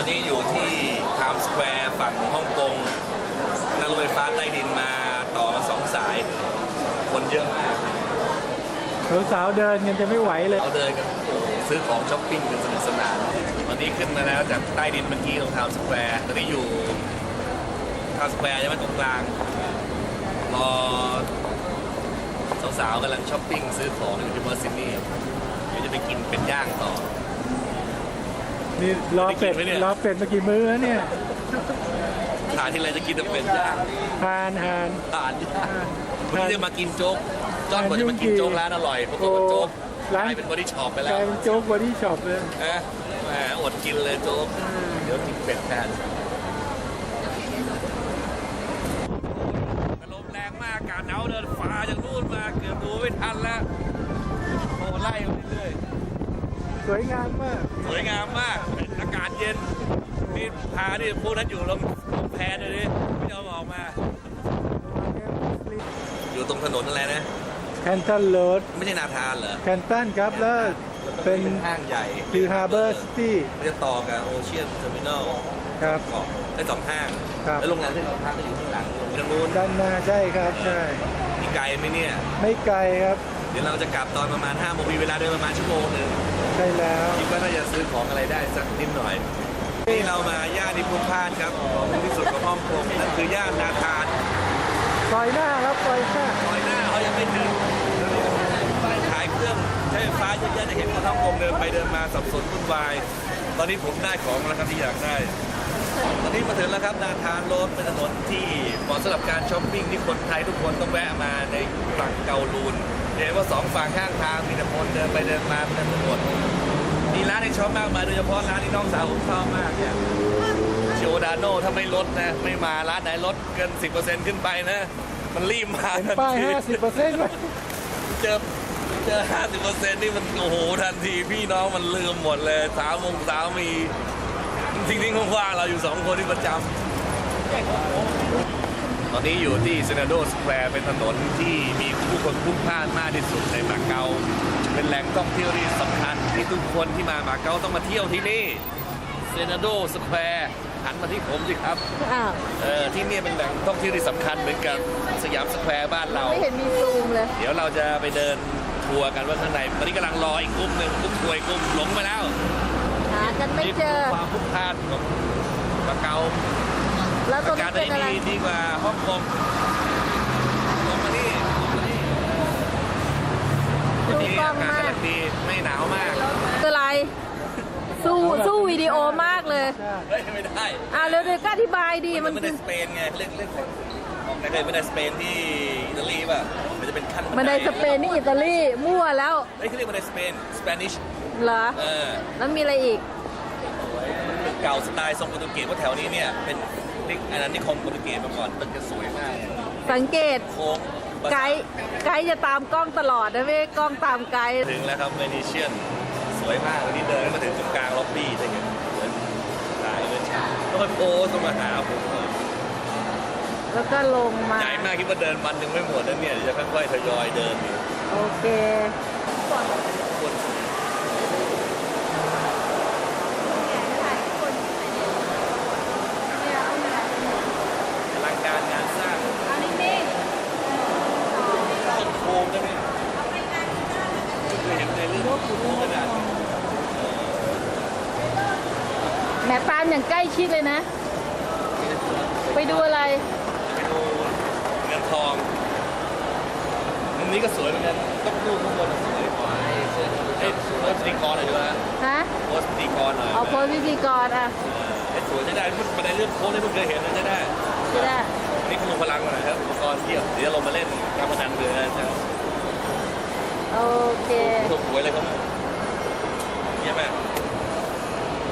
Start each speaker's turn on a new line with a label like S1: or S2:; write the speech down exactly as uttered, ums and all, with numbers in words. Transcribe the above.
S1: อนนี้อยู่ที่ไทม์สแควร์ฝั่งฮ่องกงนั่งรถไฟฟ้าใต้ดินมาต่อมาสองสาย คนเยอะมาก
S2: สาวๆเดินกันจะไม่ไหวเลย
S1: เอาเดินกันซื้อของช้อปปิ้งกันสนุกสนานวันนี้ขึ้นมาแล้วจากใต้ดินเมื่อกี้ตรงไทม์สแควร์ตอนนี้อยู่ไทม์สแควร์ยังไม่ตรงกลางรอสาวๆกำลังช้อปปิ้งซื้อของอยู่ที่เมอร์ซินี่เดี๋ยวจะไปกินเป็ดย่างต่อ
S2: นี่รอเป็ด
S1: ได้กินไหมเนี่ย
S2: รอเป็ดมากี่มื้อแล้วเนี่ย
S1: ทานที่ไรจะกินแต่เป็ดย่าง
S2: ทานทาน
S1: ทานย่างวันนี้จะมากินโจ๊กจอนบอกจะมากินโจ๊กร้านอร่อยปรากฏว่าโจ๊กกลายเป็นบอดี้ช็อปไป
S2: ก
S1: แล้
S2: ลา
S1: วย
S2: เป็นโจ๊กบอดี้ช็อปเลย
S1: นะแหมอดกินเลยโจ๊กเดี๋ยวกินเป็ดแทนลมแรงมากอากาศหนาวเดินฟ้าจากนู่นมาเกือบดูไม่ทันแล้วโอ้ไล่มาเรื่อย
S2: สวยงามมาก
S1: ๆสวยงามมากอากาศเย็นนี่พานี่พวกนั้นอยู่ลงแพเลยดิไม่ยอมออกมา อยู่ตรงถนนอะไรนะ
S2: แคนตันโรด
S1: ไม่ใช่นาธานเหรอ
S2: แคนตันครับแล้วเป็น
S1: ห้างใหญ่
S2: คือฮาร์เบอร์ซิตี้
S1: มันจะต่อกับโอเชียนเทอร์มินอล
S2: ครับ
S1: เกาะได้สองห้าง
S2: ครับ
S1: แล้วโรงแรมที่เราพักก็อยู่ข้างหลังตรงนู้น
S2: ด้านหน้าใช่ครับใช่
S1: มีไกลไหมเนี่ย
S2: ไม่ไกลครับ
S1: เดี๋ยวเราจะกลับตอนประมาณห้าโมงมีเวลาเดินประมาณชั่วโมงหนึ่ง
S2: ใช่แล้ว
S1: คิดว่าน่าจะซื้อของอะไรได้สักนิดหน่อยนี่เรามาย่านนิพพานครับของที่สุดของฮ่องกงนั่นคือย่านนาธาน
S2: ซอยหน้าครับซอยหน้า
S1: ซอยหน้าเขายังไม่ถึงป้ายขายเครื่องใช้ไฟฟ้าเยอะแยะจะเห็นคนฮ่องกงเดินไปเดินมาสับสนวุ่นวายตอนนี้ผมได้ของแล้วครับที่อยากได้ ตอนนี้มาถึงแล้วครับนาธานโรดเป็นถนนที่เหมาะสำหรับการช้อปปิ้งที่คนไทยทุกคนต้องแวะมาในฝั่งเกาลูนเห็นว่าสองฝั่งข้างทางมีแต่คนเดินไปเดินมาเป็นถนนมีร้านให้ช็อปมากมายโดยเฉพาะร้านที่น้องสาวผมชอบมากเนี่ยโชดาโน่ถ้าไม่ลดนะไม่มาร้านไหนลดเกิน สิบเปอร์เซ็นต์ ขึ้นไปนะมันรีบมา
S2: เป็นป้าย ห้าสิบเปอร์เซ็นต์
S1: เจอเจอ ห้าสิบเปอร์เซ็นต์ นี่มันโอ้โหทันทีพี่น้องมันลืมหมดเลยสาวมงสาวมีทิ้งทิ้งว่างๆเราอยู่สองคนที่ประจำตอนนี้อยู่ที่เซนาโดสแควร์เป็นถนนที่มีผู้คนพลุกพล่านมากที่สุดในมาเก๊าเป็นแหล่งท่องเที่ยวที่สำคัญที่ทุกคนที่มามาเก๊าต้องมาเที่ยวที่นี่เซนาโดสแควร์หันมาที่ผมสิครับ
S3: อ้าว
S1: เออที่นี่เป็นแหล่งท่องเที่ยวที่สำคัญเหมือนกับสยามสแควร์บ้านเรา
S3: ไม่เห็นมีซูมเลย
S1: เดี๋ยวเราจะไปเดินทัวร์กันว่าข้างในตอนนี้กำลังรออีกกลุ่มหนึ่งกลุ่มทัวร์อีกกลุ่มหลงไปแล้ว
S3: หากันไม่เจอ
S1: นี่คือความพลุกพล่านของมาเก๊า
S3: แล้วตรง
S1: อา
S3: นี้
S1: กาศ
S3: เป็นอะไร
S1: ดีดีกว่าฮ่องกงลงมานี่ลงมานี่
S3: ดู
S1: นี่
S3: กล้อ
S1: อาง กาศ
S3: มาก
S1: กำลังดีไม่หนาวมาก
S3: คืออะไร สู้สู้วิดีโอมากเลย
S1: เฮ้ยไม่ได้
S3: อ่าเร็วๆก็อธิบายดี
S1: มั
S3: มัน น
S1: ไม่
S3: คื
S1: ได้
S3: อ
S1: สเปนไงเล่นเล่นของแต่เคยไม่ได้สเปนที่อิตาลีป่ะมันจะเป็นขั้น
S3: มันในสเปนนี่อิตาลีมั่วแล้ว
S1: เฮ้ยเขาเรียกมันในสเปนสเปนิช
S3: เหรอ
S1: เออ
S3: แล้วมีอะไรอีก
S1: เก่าสไตล์ทรงโปรตุเกสเพราะแถวนี้เนี่ยเป็นนิอันนั้นนิคมโปรตุเกสมาก่อนตึกจะสวยมาก
S3: สังเกต
S1: โค้ง
S3: ไกด์ไกด์จะตามกล้องตลอดนะไม่ใช่กล้องตามไกด์
S1: ถึงแล้วครับเวนิเชียนสวยมากวันนี้เดินมาถึงตรงกลางล็อบบี้ใช่ไหมสวยตายเลยต้องไปโพสต์มาหาผม
S3: แล้วก็ลงมา
S1: ใหญ่มากคิดว่าเดินวันหนึ่งไม่หมดแล้วเนี่ยเดี๋ยวจะค่อยๆทยอยเดินอยู่
S3: โอเค
S1: คนอลังการงานสร้างต้นโคมใช่ไหมเคยเห็นในเรื่องโคมขนาดนี้
S3: แหมปานอย่างใกล้ชิดเลยนะ ไปดูอะไร
S1: ไปดูเงินทองมุมนี้ก็สวยเหมือนกันต้องดูข้างบนสวยกว่าไอ้เอ้ยโพสต์ดีกรหน่อยดีกว่า
S3: ฮะ
S1: โพสต์ดีกรหน่อย
S3: เอาโพสต์พิธีกรอ่ะ
S1: ไอ้สวยใช้ได้มันในเรื่องโพสต์ที่เพิ่งเคยเห็นนะใช้ได้
S3: ใช่ได้
S1: นี่คุณลงพลังมาหน่อยครับอุปกรณ์เที่ยวเดี๋ยวเรามาเล่นการพนันเรือนะ
S3: โอเค
S1: ถูกหวยเลยครับเยี่ยมมาก